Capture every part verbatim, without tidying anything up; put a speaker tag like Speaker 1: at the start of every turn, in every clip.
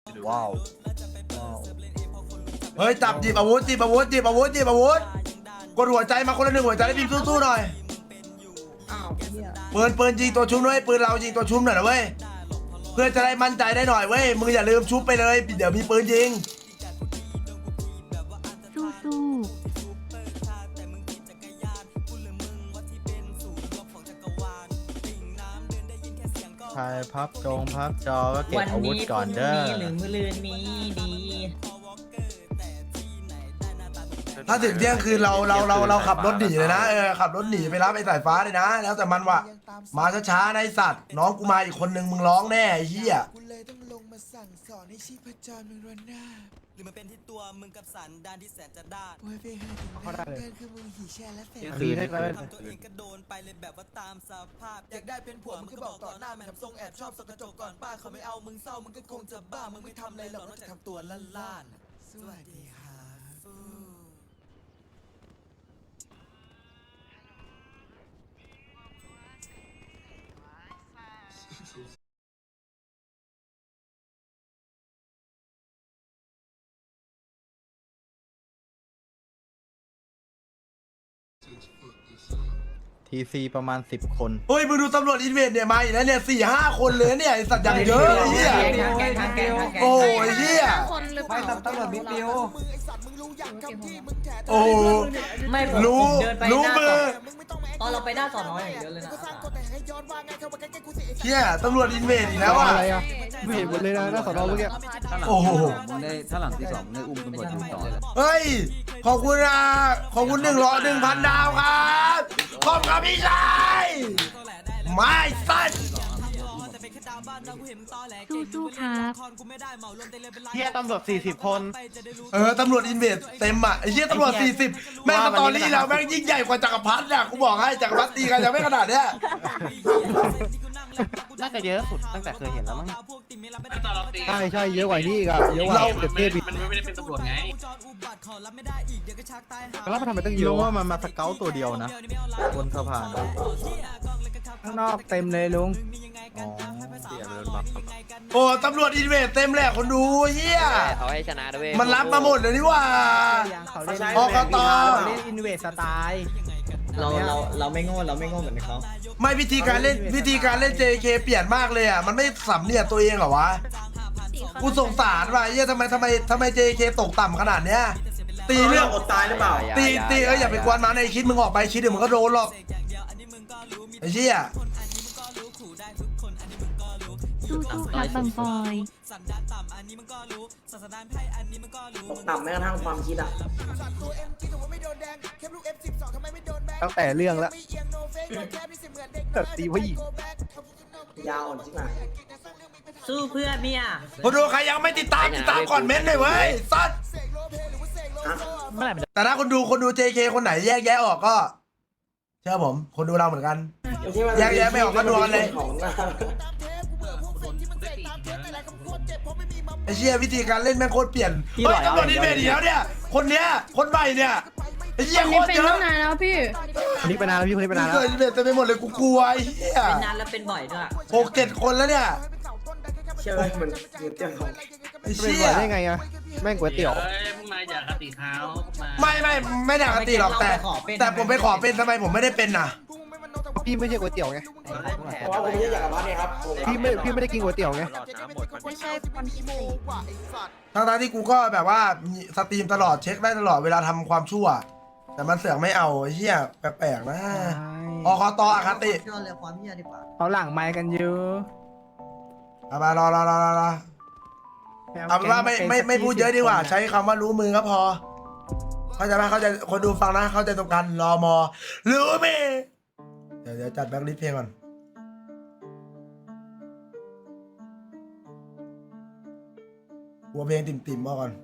Speaker 1: ว้าว
Speaker 2: เฮ้ยจับหยิบอาวุธหยิบอาวุธหยิบอาวุธหยิบอาวุธกดหัวใจมาคนละหนึ่งหัวใจให้พิมพ์สู้ๆหน่อยปืนปืนยิงตัวชุบด้วยปืนเรายิงตัวชุบหน่อยนะเว้ยเพื่อจะได้มั่นใจได้หน่อยเว้ยมึงอย่าลืมชุบไปเลยเดี๋ยวมีปืนยิง
Speaker 3: สู้สู้
Speaker 1: ใครพับจงพับจอก็เก็บ
Speaker 4: วัน
Speaker 1: อาวุธ
Speaker 4: นี้
Speaker 1: ก่
Speaker 4: พ
Speaker 1: อน
Speaker 4: รุ่ง
Speaker 1: เด้อ
Speaker 4: นี้หรือมื้อลืนนี้ดี
Speaker 2: ถ้าถึงเที่ยงคืนเราเราเราเราขับรถหนีเลยนะเออขับรถหนีไปรับไอ้สายฟ้าเลยนะแล้วแต่มันว่ะมาช้าๆในะไอ้สัตว์น้องกูมาอีกคนนึงมึงร้องแน่ไอ้เหี้ย
Speaker 5: กูเลยต้องลงมาสั่งสอนให้ชีพจรมึงรวนหน้าหรือมันเป็นที่ตัวมึงกับสันดานที่แสนจะด้านโอ้ยไปหาถึงเพื่อนคือมึงหีแช่และแสน
Speaker 1: คือได้เลย
Speaker 5: ทำตัวเองก็โดนไปเลยแบบว่าตามสภาพอยากได้เป็นผัวมึงก็บอกต่อหน้าแม่ทำทรงแอบชอบสกกระจกก่อนป้าเขาไม่เอามึงเศร้ามึงก็คงจะบ้ามึงไม่ทำอะไรหรอกนอกจากทำตัวล้านล้านสวัสดีครับฟู
Speaker 1: ทีซีประมาณสิบคน
Speaker 2: เฮ้ยมึงดูตำรวจอินเวสเนี่ยมาอีกแล้วเนี่ยสี่ห้าคนเลยเนี่ยไอ้สัตว์อย่างเยอะไอ้เหี้ย
Speaker 4: แกงแกงแกงแกง
Speaker 2: โอ้ยเหี้ย
Speaker 3: คนหรือเปล่า
Speaker 5: ตำรวจบิ๊กบิวมึงไอสัตว์มึงรู้อย่างคำที่มึงแถ
Speaker 2: โอ้โห
Speaker 4: ไม่ผม
Speaker 2: รู้
Speaker 4: ผมเดินไป
Speaker 2: รู้
Speaker 4: หน้า
Speaker 2: มือ
Speaker 4: ตอนเราไปหน้าสอนออย่างเดียวเลยนะ
Speaker 5: ก็สร้างกฎแต่ให้ย้อนว่าไงเข้ามาใกล้ๆกูสิ
Speaker 2: เหี้ยตำรวจอินเวสอีกแล้วอ่ะ
Speaker 6: อะไรอ่ะไม่เห็นหมดเลยนะหน้าสอนอเมื่อกี้
Speaker 2: โอ้โห
Speaker 7: มึงได้ถ้าหลังที่สองมึงได้อุ้มตำรวจทำต่อเลย
Speaker 2: เฮ้ยขอบคุณนะขอบคุณหนึ่งร้อยหนึ่งพันดาวครับขอบคุณพี่ชายไม่สัตว์
Speaker 3: สู้สู้ครับ
Speaker 6: เฮียตำรวจสี่สิบคน
Speaker 2: เออตำรวจอินเวสเต็มอ่ะไอ้เหี้ยตำรวจสี่สิบแม่งสตอรี่เราแม่งยิ่งใหญ่กว่าจักรพรรดิอ่ะกูบอกให้จักรพรรดิตีกันยังไม่ขนาดเนี้ย
Speaker 6: น่าจะเยอะสุดตั้งแต่เคยเห็นแล้วมั้งใช่ใช่เยอะกว่านี้อีกอ่ะเยอะกว่าเด็กเทพอีก
Speaker 7: มันไม่ได้เป็นตำรวจไง
Speaker 6: แล้วมันทำไมต้องเย
Speaker 1: รู้
Speaker 6: อะ
Speaker 1: ว่ามันมาสเกลตัวเดียวนะบนสะพานอะ
Speaker 6: ข้างนอกเต็มเลยลุง
Speaker 1: อ๋อเสียเลยมา
Speaker 2: โอ้ตำรวจอินเวสเต็มแหละคนดูเหี้ย
Speaker 8: เขาให้ชนะด้วย
Speaker 2: มันรับมาหมดเลยนี่หว่า
Speaker 6: เขาเล่น
Speaker 2: ออกกันต่อ
Speaker 6: เล่นอินเวสสไตล์
Speaker 4: เราเราเราไม่โง่เราไม่โง่เหมือนเขา
Speaker 2: ไม่วิธีการเล่นวิธีการเล่น เจ เค เปลี่ยนมากเลยอ่ะมันไม่สำเนียกตัวเองเหรอวะกูสงสารว่ะเหี้ยทำไมทำไมทำไม เจ เค ตกต่ำขนาดเนี้ยตีเรื่อง
Speaker 8: อดตายหรือเปล่า
Speaker 2: ตีตีเอ้ยอย่าไปกวนมันไอ้คิดมึงออกไปคิดเดี๋ยวมึงก็โดนหรอกไอ้เชี่ย
Speaker 3: สู้สู้ครับบังบอย
Speaker 8: ต่ำแม้กระทั่งความคิดอ่ะ
Speaker 6: ตั้งแต่เรื่องแล้วตีผู้หญิง
Speaker 8: ยาวอ่อนจริงไหม
Speaker 4: สู้เพื่อเมีย
Speaker 2: คนดูใครยังไม่ติดตามติดตามก่อนเม้นต์หน่อยเว้ยสัตว์แต่ถ้าคนดูคนดู เจ เค คนไหนแยกแยะออกก็เชื่อผมคนดูเราเหมือนกัน แยกแยะไม่ออกก็ดูกันเลยไอ้เชี่ยวิธีการเล่นแม่งโคตรเปลี่ยนเฮ้ยตำรวจอินเวสอีกแล้วเนี่ยคนเนี้ยคนใหม่เนี่ยไอ้เชี่ยโคตรเยอะ
Speaker 6: คนนี้ไปนานแล้วพี่คนนี้ไปนานแล้ว
Speaker 2: เกิดอินเวสเต็มไปหมดเลยกูกลัวไอ้เหี้ย
Speaker 4: เป็นนานแล้วเป็นบ่อยด้วย
Speaker 2: หกเจ็ดคนแล้วเนี่ย
Speaker 8: เชื่อมันเกิดเรื่องของ
Speaker 2: ไอ้
Speaker 6: เป็น
Speaker 2: เชี่
Speaker 6: หั
Speaker 2: ยว
Speaker 6: ได้ไงอ่ะแม่งก๋วยเตี๋ยว
Speaker 7: เอ้ยพวกนายอย่าคติเขามา
Speaker 2: ไม่ไม่ไม่ได้ปกติหรอกแต่ แต่ผมไปขอเป็นทำไมผมไม่ได้เป็นน่ะ
Speaker 6: พี่ไม่ใช่ก๋วยเตี๋ยวไง
Speaker 8: เพราะว่าผมไม่ได้อยากกลับบ้านเนี่ยครับ
Speaker 6: พี่ไม่พี่ไม่ได้กินก๋วยเตี๋ยวไง
Speaker 3: ไม่ใช่คนที่สี่
Speaker 2: ทั้งๆที่กูก็แบบว่ามีสตรีมตลอดเช็คได้ตลอดเวลาทำความชั่ว แต่มันเสือกไม่เอาไอ้เหี้ยแปลกๆนะอคตอคติ
Speaker 4: ยอดเลยความเมียดีกว่า
Speaker 6: เขาหลังไม้กันเยอะ
Speaker 2: เอามารอรอรอรอรอเอาเป็นว่าไม่ไม่ไม่พูดเยอะดีกว่า ใช้คำว่ารู้มือก็พอ เข้าใจไหมเข้าใจคนดูฟังนะเข้าใจตรงกันรอมอรู้มือเดี๋ยวเดี๋ยวจัดแบ็คลิสต์เพลงก่อนหัวเพลงติ่มๆมาก่อน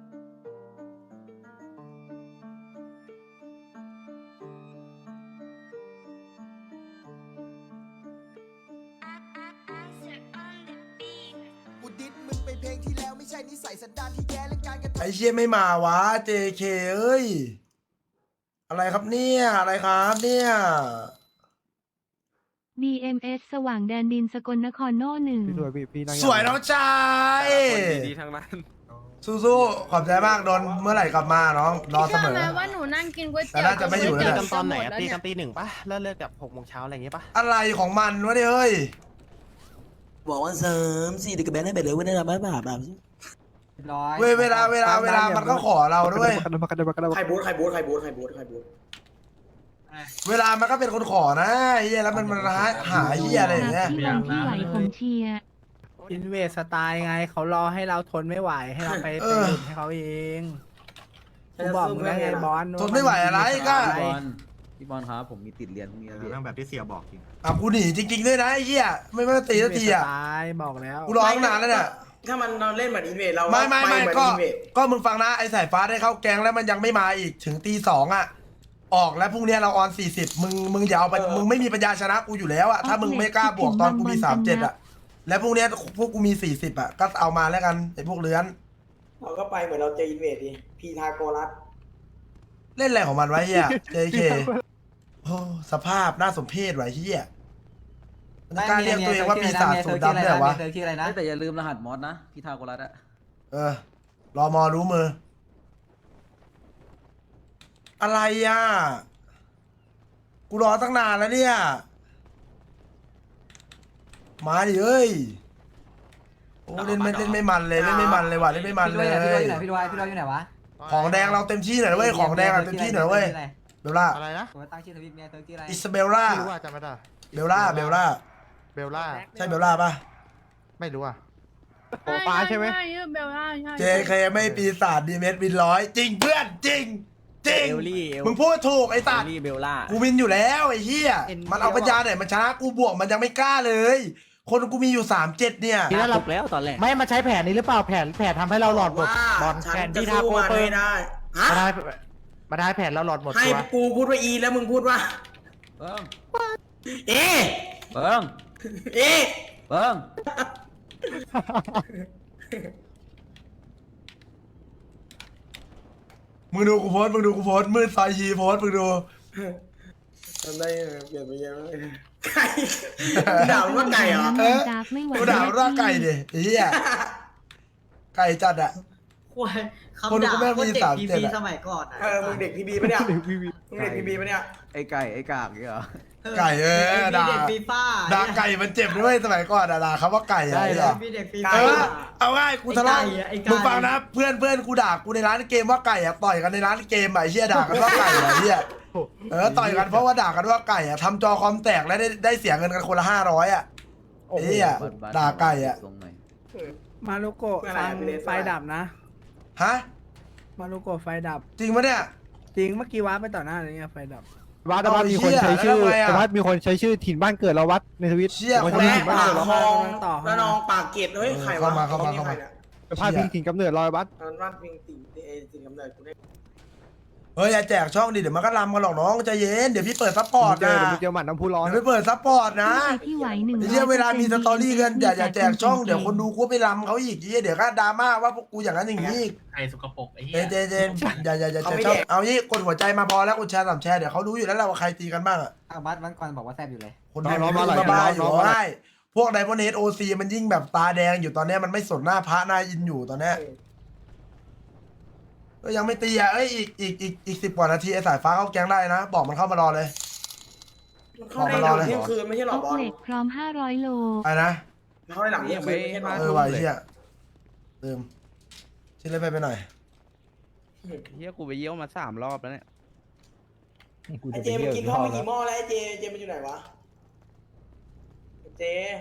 Speaker 5: กูดิดมึงไปเพลงที่แล้วไม่ใช่นิสัยสันดานที่แย่เรื่องการกระทำ
Speaker 2: ไอเชี่ยไม่มาวะ เจ เค เอ้ย อะไรครับเนี่ย อะไรครับเนี่ย
Speaker 3: ดี เอ็ม เอส สว่างแดนดินสกลนครโน่หนึ่ง
Speaker 6: พี่สวยพี่พี่นั่ง
Speaker 2: สวยน้องชาย
Speaker 9: ดีๆทั้งนั้น
Speaker 2: สู้ๆขอบใจมากโดนเมื่อไหร่กลับมาน้องรอเสมอ
Speaker 3: ว่าหนูนั่งกินก๋วย
Speaker 2: แต่น่าจะไม่อยู่แล้ว
Speaker 6: ตี
Speaker 2: แหละ
Speaker 6: กันตอนไหนอะตีกันตีหนึ่งปะเลิกเลิกกับหกโมงเช้าอะไรอย่างเงี้ยปะ
Speaker 2: อะไรของมันวะเนี่ยเฮ้ย
Speaker 5: บอกว่าเสริมสี่เด็กกับแบนให้ไปเลยว่าได้รับแบบแบบ
Speaker 4: ร้อย
Speaker 2: เว้ยเวลาเวลาเวลามันก็ขอเราด้วย
Speaker 6: กันมากันมากันมา
Speaker 8: ใครบูทใครบูทใครบูทใครบูทใครบูท
Speaker 2: เวลามันก็เป็นคนขอนะไอ้เหี้ยแล้วมันมันหาหาเหี้ยอะไรอย่างเงี้ย
Speaker 3: พี่วันที่ไหวผมเชียร์
Speaker 1: อินเวสสไตล์ไงเขารอให้เราทนไม่ไหวให้เราไป
Speaker 2: เอ
Speaker 1: ไป
Speaker 2: อ
Speaker 1: หลุดให้เขาเองกูบอกมึงแล้วไงบอล
Speaker 2: ทนไม่ไหวอะไรก็
Speaker 7: พี่บอลพี่บอลครับผมมีติดเรียนพรุ่งนี้นะพี่
Speaker 6: นั่งแบบที่เสียบอกจริง
Speaker 2: อ่ะกูหนีจริงๆด้วยนะไอ้เหี้ยไม่ไม่ตีสักทีอ่ะ
Speaker 1: สไตล์บอกแล้ว
Speaker 2: กูรอตั้งนานแล้วเนี่ย
Speaker 8: ถ้ามันเราเล่นเหมือนอินเวดเรา
Speaker 2: ไม่ไม่ไม่
Speaker 8: ปเหอน
Speaker 2: ก็
Speaker 8: อินเวด
Speaker 2: ก็มึงฟังนะไอ้สายฟ้าได้เข้าแกงแล้วมันยังไม่มาอีกถึงตีสองอ่ะออกแล้วพรุ่งนี้เราออนสี่สิบมึงมึงอย่าเอาไปมึงไม่มีปัญญาชนะกูอยู่แล้วอ่ะถ้ามึงไม่กล้าบวกตอนกูมีสามเจ็ดอ่ะแล้วพรุ่งนี้พวกกูมีสี่สิบอ่ะก็เอามาแล้วกันไอ้พวกเลื้อน
Speaker 8: เราก็ไปเหมือนเราเจออินเวดดิพีทาโกรัส
Speaker 2: เล่นอะไรของมันไว้เฮีย เจ เค โอ้สภาพน่าสมเพชไว้เฮียมันกล้าเรียกตัวเองว่าปีศาจสูดดำได้เหรอวะ
Speaker 4: เธอชื่ออะไรนะ
Speaker 7: แต่อย่าลืมรหัสมอสนะพี่ทาโกรัสอะ
Speaker 2: เออ รอมอรู้มือ อะไรอ่ะ กูรอตั้งนานแล้วเนี่ย มาดิเอ้ย โอ้เล่นไม่เล่นไม่มันเลยเล่นไม่มันเลยว่ะเล่นไม่มันเลย
Speaker 4: พี่ด้วยอยู่ไหนพี่ด้วยพี่ด้วยอยู่ไหนวะ
Speaker 2: ของแดงเราเต็มที่หน่อยนะเว้ย ของแดงเราเต็มที่หน่อยนะเว้ย เบลล่า
Speaker 6: อะไรนะ
Speaker 4: ผมตั้งชื่อทวิตเมียเธอชื่ออะไร
Speaker 2: อิสเบลล่า
Speaker 6: ไม่รู้อ่ะจำไม่ได้
Speaker 2: เบลล่า เบลล่า
Speaker 6: เบลล่า
Speaker 2: ใช่เบลล่าปะ
Speaker 6: ไม่รู้อ่ะโอป้าใช่ไหม
Speaker 3: เบลล่าใช่
Speaker 2: เจ เค ไม่ปีศาจดีเมสวินร้อยจริงเพื่อนจริงจริง
Speaker 7: เอลลี่เอล
Speaker 2: มึงพูดถูกไอ้สัตว์
Speaker 7: ลี่เบลล่า
Speaker 2: กูวินอยู่แล้วไอ้เหี้ยมันเอาปัญญาไหนมันชนะกูบวกมันยังไม่กล้าเลย คนกูมีอยู่สามเจ็ดเนี่ย
Speaker 7: ทีนั้นเราแล้วตอนแรก
Speaker 6: ไม่มาใช้แผนนี้หรือเปล่าแผนแผนทำให้เราหลอดหมด
Speaker 8: ว่า
Speaker 6: บอล
Speaker 8: ฉัน
Speaker 6: แผน
Speaker 8: จะ
Speaker 6: ที่ทา
Speaker 8: สู้
Speaker 6: โก
Speaker 8: มัน
Speaker 6: เปิ
Speaker 8: ไม่
Speaker 6: ล
Speaker 8: ได้ฮะ
Speaker 6: มาได้มาได้แผนเราหลอดหมด
Speaker 8: ให้
Speaker 6: ตัว
Speaker 8: กูพูดว่าอีแล้วมึงพูดว่า
Speaker 7: เบิ้ง
Speaker 8: เอ๊
Speaker 7: เบิ้ง
Speaker 8: เอ๊
Speaker 7: เบิ้ง
Speaker 2: มึงดูกูโพสต์มึงดูกูโพสต์มืดซอยยีโพสต์มึงดู
Speaker 8: ทำได้เปลี่ยนไปเยอะเลยไก่ด่าว่าไก่เหรอ
Speaker 2: เออ
Speaker 3: ดาร์กไม่ไหว
Speaker 2: กูด่าว่าไก่ดิไอ้เหี้ยไก่จัดอะ
Speaker 4: ควาย
Speaker 2: คน
Speaker 4: คำด่า
Speaker 2: กูแม่ง
Speaker 4: โคต
Speaker 2: มี
Speaker 4: รเด็ก
Speaker 2: สาม
Speaker 4: พี
Speaker 2: เจ็ด
Speaker 4: พี
Speaker 2: อะ
Speaker 4: สมัยก่อนอะ
Speaker 8: เออมึงเด็กพีบีปะเนี่ยมึงเด็กพีบีปะเนี่ย
Speaker 7: ไอ้ไก่ไอ้กากเนี่ยเหรอ
Speaker 2: ไก่เออด่า
Speaker 4: เด็กฟีฟ่า
Speaker 2: ด่าไก่มันเจ็บด้วยสมัยก่อนอะด่าคำว่าไก่อะ
Speaker 6: ได้
Speaker 2: ไอ้
Speaker 6: เหร
Speaker 2: เหี้
Speaker 6: อ
Speaker 2: ย
Speaker 4: มีเด็กฟี
Speaker 2: เอ
Speaker 4: ฟ่า
Speaker 2: อเอาง่ายกูทะเลาะ
Speaker 4: ไอ้ไก่อะไอ้ไก่
Speaker 2: มึงฟังนะเพื่อนเพื่อนกูด่ากูในร้านเกมว่าไก่อะต่อยกันในร้านเกมอะไอ้เหี้ยด่ากันว่าไก่อะไอ้เหี้ยเออต่อยกันเพราะว่าด่ากันว่าไก่อะทำจอคอมแตกแล้วได้ได้เสียเงินกันคนละห้าร้อยอะไอ้เหี้ยด่าไก่อะ
Speaker 7: ทรงหน่อย
Speaker 1: มารุโกะฟังไฟดับนะ
Speaker 2: ฮะ
Speaker 1: มารุโกะไฟดับ
Speaker 2: จริงปะเนี่ย
Speaker 1: จริงเมื่อกี้ว้าไปต่อหน้าเลยเนี่ยไฟดับ
Speaker 6: วัดวัดมีคนใช้ชื่อวัดมีคนใช้ชื่อถิ่นบ้านเกิดเราวัดในทวิต
Speaker 2: เชี่ย
Speaker 6: คน
Speaker 2: คน
Speaker 6: ใช้
Speaker 2: แร
Speaker 6: ถิ่
Speaker 2: ก
Speaker 6: นบ้าน
Speaker 8: ปาก
Speaker 6: เกิดเรา
Speaker 8: คลอง
Speaker 1: ต่อ
Speaker 8: แล้วน้องปากเกร็ดเฮ้ยใครวะ
Speaker 2: เข้ามาเข้ามาเข้ามา
Speaker 6: พาดพิงถิ่นกำเนิดเราวัด
Speaker 8: มันว่าพิงติ่งเอติ่งกำเนิดกูได้
Speaker 2: เฮ้ยอย่าแจกช่องดิเดี๋ยวมันก็ลำกันหรอกน้องใจเย็นเดี๋ยวพี่เปิดซัพพอร์ต
Speaker 6: เจ
Speaker 2: นะ
Speaker 6: อเดี๋ยวมึงเจอหมัดน้ำพุร้อน
Speaker 2: เดี๋ยวพี่เปิดซัพพอร์ตนะ
Speaker 3: พี่ไหวหนึ่ง
Speaker 2: ไอ้เหี้ยเวลามีสตอรี่กันอย่าอย่าแจกช่องเดี๋ยวคนดูกูไปลำเขาอีกไอ้เหี้ยเดี๋ยวก็ดราม่าว่าพวกกูอย่างนั้นอย่างนี้อีก
Speaker 7: ไอ้สกปรกไอ้เหี้
Speaker 2: เจ
Speaker 7: ย
Speaker 2: นเจนเจนอย่าอย่าอย่าแจกช่องเอางี้กดหัวใจมาพอแล้วกดแชร์สามแชร์เดี๋ยวเขารู้อยู่แล้วแหละว่าใครตีกันบ้างอะ
Speaker 4: เอาบัสวันก่อนบอกว่าแซ่บอยู่เลย
Speaker 2: คนดูมันบ้าๆอยู่ได้พวกไดมอนด์เฮดโอซีมันยิ่งแบบตาแดงอยู่ตอนเนี้ยมันไม่สนหน้าพระหน้าอินอยู่ตอนเนี้ยก็ยังไม่ตีอ่ะเอ้ยอีกอีกอีกอีกสิบกว่านาทีไอ้สายฟ้าเข้าแก๊งได้นะบอกมันเข้ามารอเลย
Speaker 8: มันเข้าได้หลังเที่ยงคืนไม่ใช่หร
Speaker 3: อ
Speaker 8: อ
Speaker 3: อก
Speaker 8: บอล
Speaker 3: เหล็กพร้อมห้าร้อยโล
Speaker 2: ไอ้นะ
Speaker 8: เข้าได้หลังเที่ยงคืนไม่ใช่หรอ
Speaker 2: เออไว้เฮียลืมชิ้นเล็กไปไปหน่อย
Speaker 7: เหี้ยกูไปเยี่ยวมาสามรอบแล้วเนี่ย
Speaker 8: ไอเจมันกินข้าวไปกี่หม้อแล้วไอเจเจมันอยู่ไหนวะเจ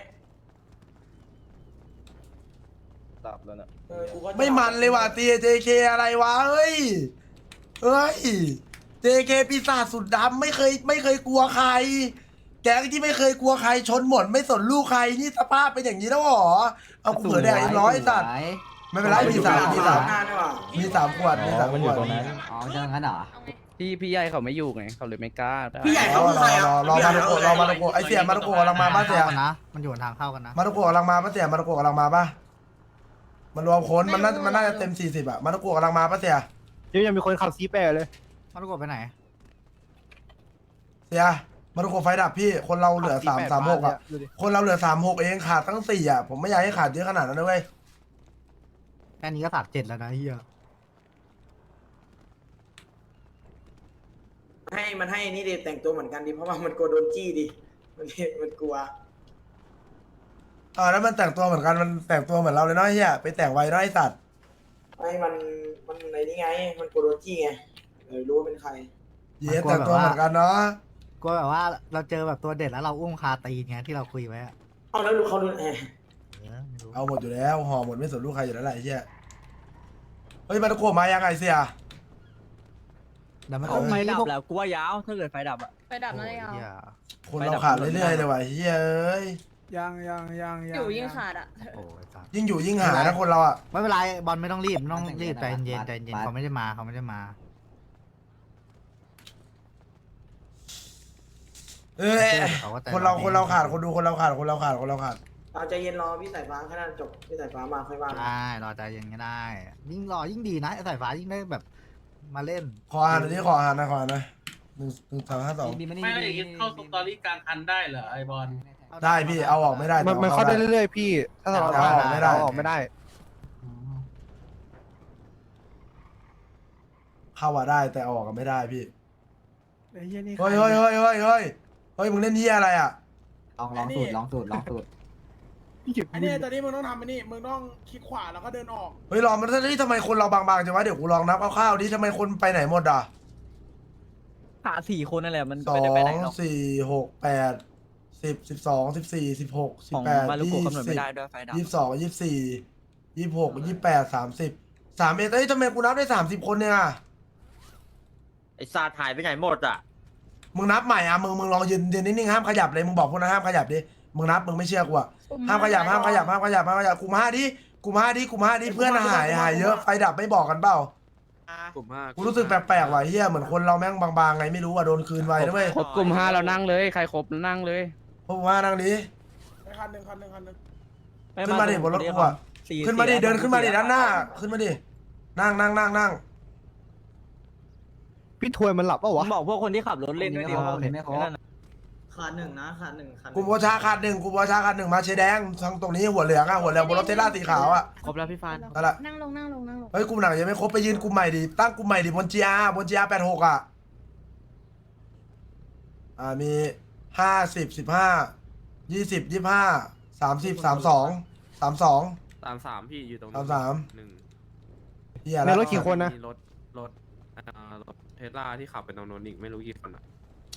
Speaker 7: ตับแล้วเนี่ย
Speaker 8: เออกูก็
Speaker 2: ไม่มันเลยว่ะตีเจเคอะไรวะเฮ้ยเฮ้ยเจเคปีศาจสุดดำไม่เคยไม่เคยกลัวใคร แก๊งที่ไม่เคยกลัวใครชนหมดไม่สนลูกใครนี่สภาพเป็นอย่างนี้แล้วเหรอเอากูเผื่อแดกอีกร้อยสัตว์ไม่เป็นไรมีสามมีสาม
Speaker 8: นานดีกว่า
Speaker 2: มีสามขวดมีสามขวด
Speaker 4: อ๋อจะงั้นเหรอ
Speaker 7: พี่พี่ใหญ่เขาไม่อยู่ไงเขาเลยไม่กล้า
Speaker 8: พี่ใหญ่
Speaker 2: ร
Speaker 8: เขา
Speaker 2: อ
Speaker 8: คือ
Speaker 2: ร
Speaker 8: ใค
Speaker 2: อ
Speaker 8: รอ่ะ
Speaker 2: รอรอมาตะโกรอมาตะโกไอเสียมาตะโกกำลังมาป้าเสีย
Speaker 6: นะมันอยู่ทางเข้ากันนะ
Speaker 2: มาตะโกกำลังมาป้าเสียมาตะโกกำลังมาป้ามันรวมคนมันน่ามันน่าจะเต็มสี่สิบอะมาตะโกกำลังมาป้าเสีย
Speaker 6: เดี๋ยวยังมีคนขับซีแปรเลย
Speaker 1: มารุโกะไปไหน
Speaker 2: เสียมารุโกะไฟดับพี่คนเราเหลือสามสามหกอ่ะคนเราเหลือสามหกเองขาดตั้งสี่อ่ะผมไม่อยากให้ขาดเยอะขนาดนั้นนะเว้ย
Speaker 6: แค่นี้ก็สามเจ็ดแล้วนะเฮีย
Speaker 8: ให้มันให้นี่ดิแต่งตัวเหมือนกันดิเพราะว่ามันกลัวโดนจี้ดิมันมันกลัว
Speaker 2: อ่าแล้วมันแต่งตัวเหมือนกันมันแต่งตัวเหมือนเราเลยเนาะไอ้เฮียไปแต่งไว้เนาะไอ้สัตว์
Speaker 8: ไม่มันมันในนี่ไง มันกลัวโดนจี้ไงเลยรู้ว่าเป็นใคร
Speaker 2: เย้แต่งตัวเหมือนกันเนาะ
Speaker 6: กลัวแบบว่าเราเจอแบบตัวเด็ดแล้วเราอุ้มคาตีนไงที่เราคุยไว้อะ
Speaker 8: เอาแล้วรู้เขารู้แอบ
Speaker 6: เออไม่รู้
Speaker 2: เอาหมดอยู่แล้วห่อหมดไม่สนลูกใครอยู่แล้วแหละไอ้เฮียเฮ้ยมารุโกะมายังไงเสีย
Speaker 6: แล้วมัน
Speaker 2: เอา
Speaker 6: ไม่
Speaker 7: ดับแล้วกูว่ายาวถ้าเกิดไฟดับอ่ะ
Speaker 3: ไปดับนั่นเลยเอา
Speaker 6: เฮีย
Speaker 2: คนเราขาดเรื่อยๆเลยว่ะเฮียเอ้ย
Speaker 9: ยังยังยังยัง
Speaker 3: อยู่ยิ่งขาดอ่ะ
Speaker 6: โอ้ยจ้ะ
Speaker 2: ยิ่งอยู่ยิ่งหานะคนเราอ่ะ
Speaker 6: ไม่เป็นไรบอลไม่ต้องรีบไม่ต้องรีบใจเย็นใจเย็นเขาไม่ได้มาเขาไม่ได้มา
Speaker 2: เอ้ยคนเราคนเราขาดคนดูคนเราขาดคนเราขาดคนเราขาด
Speaker 8: เอาใจเย็นรอพี่สายฟ้าแค่นั้นจบพี่สายฟ้ามาค่อยว่ากัน
Speaker 6: ได้รอใจเย็นก็ได้ ยิ่งรอยิ่งดีนะไอ้สายฟ้ายิ่งได้แบบมาเล่น
Speaker 2: ขออ่านหน่อยดิขออ่านหนะขออ่านหนะหนึ่งหนึ่งสามห้าสอง
Speaker 4: บีไม่
Speaker 10: ไม่ได้อย่างงี้เข้าสตอรี่กลางคันได้เหรอไอบอล
Speaker 2: ได้พี่เอาออกไม่ได้
Speaker 6: มันมันเข้าได้เรื่อยๆพี่ ถ้าเรา
Speaker 2: เอาออกไม่ได้
Speaker 6: เอาออกไม่ได้
Speaker 2: เข้าว่าได้แต่เอาออกกันไม่ได้พี่
Speaker 9: ไอ้เหี้ยนี่
Speaker 2: เฮ้ยเฮ้ยเฮ้ยเฮ้ยเฮ้ยเฮ้ยมึงเล่นเฮียอะไรอ่ะ
Speaker 4: ลองลองสูตรลองสูตรลองสูตร
Speaker 9: อันนี้ตอนนี้มึงต้องทำอันนี้มึงต้องคลิกขวาแล้วก็เดินออก
Speaker 2: เฮ้ยลองมันนี่ทำไมคนเราบางๆจังวะเดี๋ยวกูลองนับคร่าวๆดิทำไมคนไปไหนหมดอ่ะ
Speaker 7: ขาสี่คนนั่นแหละมัน
Speaker 2: สองสี่หกแปดสิบสิบสองสิบสี่สิบหกสิบแปดยี่สิบยี่สิบสองยี่สิบสี่ยี่สิบหกยี่สิบแปดสามสิบสามเอ็ดเฮ้ยทำไมกูนับได้สามสิบคนเนี่ย
Speaker 7: ไอ้ซาถ่ายไปไหนหมดอ่ะ
Speaker 2: มึงนับใหม่อ่ะมึงมึงลองยืนยืนนิ่งๆห้ามขยับเลยมึงบอกพวกนั้นห้ามขยับดิมึงนับมึงไม่เชื่อกูอ่ะห้ามขยับห้ามขยับห้ามขยับห้ามขยับกูมาดิกูมาดิกูมาดิเพื่อนหายหายเยอะไฟดับไม่บอกกันเปล่า
Speaker 7: กลุ่มห้า
Speaker 2: กูรู้สึกแปลกๆว่ะเฮียเหมือนคนเราแม่งบางๆไงไม่รู้อ่ะโดนคืนไว้นะเว้ย
Speaker 7: ครบกลุ่มห้าเรานั่งเลยใครครบนั่งเลย
Speaker 2: พวกมานั่งดิ
Speaker 9: ไปคันหนึ่งคันหนึ่งคันหนึ่ง
Speaker 2: ขึ้นมาดิบนรถกูอ่ะขึ้นมาดิเดินขึ้นมาดิด้านหน้า ขึ้นมาดินั่งนั่งนั่งนั่ง
Speaker 6: พี่ทวยมันหลับเปล่าวะ
Speaker 7: บอกพวกคนที่ขับรถเล่นด้วยดิ
Speaker 4: ไม่พอ
Speaker 8: ขาดหนึ่งนะขาดหนึ่งขาด
Speaker 2: กูโบชาขาดหนึ่งกูโบชาขาดหนึ่งมาเชแดงทางตรงนี้หัวเหลืองอ่ะหัวเหลืองบนรถเทสลาสีขาวอ่ะ
Speaker 7: ครบแล้วพี่ฟาน
Speaker 2: นั่นแหละ
Speaker 3: นั่งลงนั่งลงนั่งลง
Speaker 2: เฮ้ยกลุ่มหนังยังไม่ครบไปยืนกลุ่มใหม่ดิตั้งกลุ่มใหม่ดิบนจีอาบนจีอาแปดหกอ่ะอ่ามีห้าสิบสิบห้ายี่สิบยี่ห้าสามสิบสามสองสามสอง
Speaker 7: สามสามพี่อยู่ตรง
Speaker 2: สามสาม
Speaker 7: หนึ่ง
Speaker 2: เฮีย
Speaker 6: ใน
Speaker 2: แล้ว
Speaker 6: รถกี่คนนะ
Speaker 7: มีรถรถอ่ารถเทสลาที่ขับไปตรงโน้นอีกไม่รู้กี่คนอ่ะ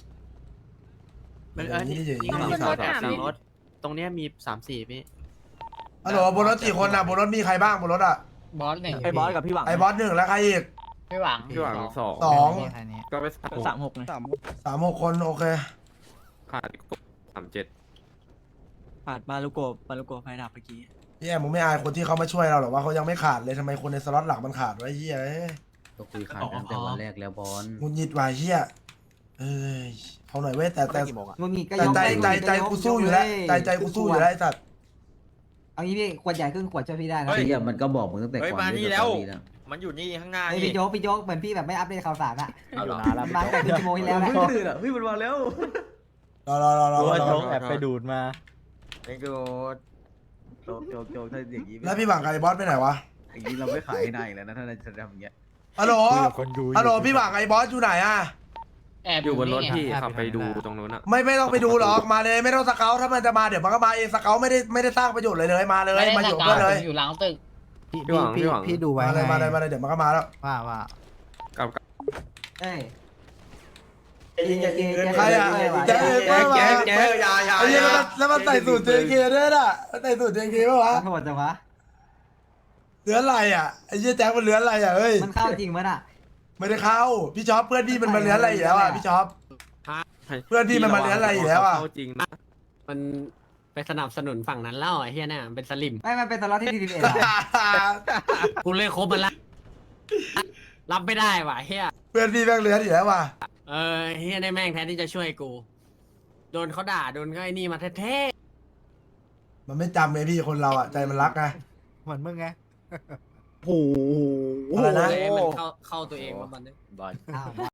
Speaker 2: มันอันนี้อย่างนี้
Speaker 3: บนรถอ่ะมี
Speaker 7: ตรงเนี้ยมีสามสี่พี่
Speaker 2: ฮัลโหลบนรถกี่คนอ่ะบนรถมีใครบ้างบนรถอ่ะ
Speaker 6: บอสหนึ่ง
Speaker 7: ไอ้บอสกับพี่หวัง
Speaker 2: ไอ้บอสหนึ่งแล้วใครอีก
Speaker 6: พี่หวัง
Speaker 7: พี่หวังสอง
Speaker 2: สอง
Speaker 6: แค่นี้
Speaker 7: ก็ไปสามหกไงสาม
Speaker 2: สามหกคนโอเค
Speaker 7: ขาดสามเจ็ด
Speaker 10: ผ่านมาลูโกมาลูโกไฟดับเมื่อกี้
Speaker 2: เฮียมึงไม่อายคนที่เขามาช่วยเราหรอว่าเขายังไม่ขาดเลยทำไมคนในสล็อตหลักมันขาดไว้เฮียเอ้ย
Speaker 4: ก็คุยขาดตั้งแต่วันแรกแล้วบอล
Speaker 2: งุนยิดว่ะเฮียเอ้ยเอาหน่อยเว้ยแต่แต่
Speaker 4: มึงมีก็
Speaker 2: แต่
Speaker 4: ยก
Speaker 2: ใจใจใจกูสู้อยู่แล้วใจใจกูสู้อยู่แล้วไอ้สัตว์
Speaker 4: เอางี้พี่ขวดใหญ่ครึ่งขวดช่วยพี่ได้นะ
Speaker 5: เฮ้ย
Speaker 4: พี่มันก็บอกมึงตั้งแต่
Speaker 5: เฮ้ย
Speaker 4: ก่อน
Speaker 5: มานี่
Speaker 4: เล่
Speaker 5: แล้ว
Speaker 4: สตอรี่
Speaker 5: มันอยู่นี่ข้างหน้า
Speaker 4: เฮ้ย
Speaker 5: นี่
Speaker 4: พี่โจ๊กพี่โจ๊กเหมือนพี่แบบไม่อัปเดตข่าวสารอะ
Speaker 5: เอาเหรอ
Speaker 4: มันมาตั้งแต่ครึ่งชั่วโมงที่แล้วนะ
Speaker 5: พี่มันมาแล้ว
Speaker 2: รอรอรอรอรอ
Speaker 5: แอบไปดูด
Speaker 6: มา
Speaker 5: นี่กู
Speaker 4: โจ๊กโจ๊กโจ๊กถ้าอย่างนี้
Speaker 2: แล้วพี่หวังกับไอ้บอสไปไหนวะ
Speaker 4: อย่างนี้เราไม่ขายให้นายอีกแล้วนะถ้าเราจะทำอย่างเงี้ย
Speaker 2: ฮัลโหลฮัลโหลพี่หวังกับไอ้บอสอยู่ไหนอ่ะ
Speaker 7: อยู่บนรถพี่ขับไปดูตรงโน้นอ่ะ
Speaker 2: ไม่ไม่ต้องไปดูหรอกมาเลยไม่ต้องสเกลถ้ามันจะมาเดี๋ยวมันก็มาเองสเกลไม่ได้ไม่ได้สร้างประโยชน์เลยเลยมาเลยมาอยู่ด้วยเลย
Speaker 6: อยู่หลังตึกพี่
Speaker 7: พี่หวัง
Speaker 6: พี่
Speaker 7: พี่หวัง
Speaker 6: พี่ดูไว้
Speaker 2: มาเลย
Speaker 6: ไง
Speaker 2: มาเลยมาเลยเดี๋ยวมันก็มาแล้ว
Speaker 6: ว่าว่า
Speaker 7: กับ
Speaker 4: เอ้ย
Speaker 8: ยิงอย่ายิง
Speaker 2: ใครอ่ะแจ๊คแจ๊คแจ๊คแจ๊ค
Speaker 5: ยายา
Speaker 2: ไอ้เหี้ยแล้วมันแล้วมันใส่สูตร เจ เค ด้วยน่ะมันใส่สูตร เจ เค ป่ะวะ
Speaker 4: มันโหดจังวะ
Speaker 2: เลื้อนอะไรอ่ะไอ้เหี้ยแจ๊คมันเลื้อนอะไรอ่ะเฮ้ย
Speaker 4: มันเข้าจริงมั้ยน่ะ
Speaker 2: ไม่ได้เข้าพี่ช็อปเพื่อนพี่มันมาเลื้อนอะไรอีกแล้วอ่ะพี่ช็อป เพื่อนพี่มันมาเลี้ยงอะไรอีกแล้วอะ
Speaker 7: จริงนะ
Speaker 10: มันไปสนับสนุนฝั่งนั้นแล้วไอ้เฮียเนี่ยเป็นสลิม
Speaker 4: ไม่มันเป็นตลอดที่ดีดีเอ็ดอะ
Speaker 10: กูเลยครบมันละรับไม่ได้ว่ะเฮีย
Speaker 2: เพื่อนพี่แม่งเลื้อนอีกแล้วว่ะ
Speaker 10: เออเฮียได้แม่งแทนที่จะช่วยกู โดนเขาด่าโดนก็ไอ้นี่มาแท้
Speaker 2: มันไม่จำไงพี่คนเราอ่ะใจมันรักไง
Speaker 6: เหมือนมึงไง
Speaker 2: โอ้โห
Speaker 10: ๆ
Speaker 2: อะไรนะ
Speaker 10: เลยมันเข้าเข้าตัวเองมาบันนึง
Speaker 4: อ้าว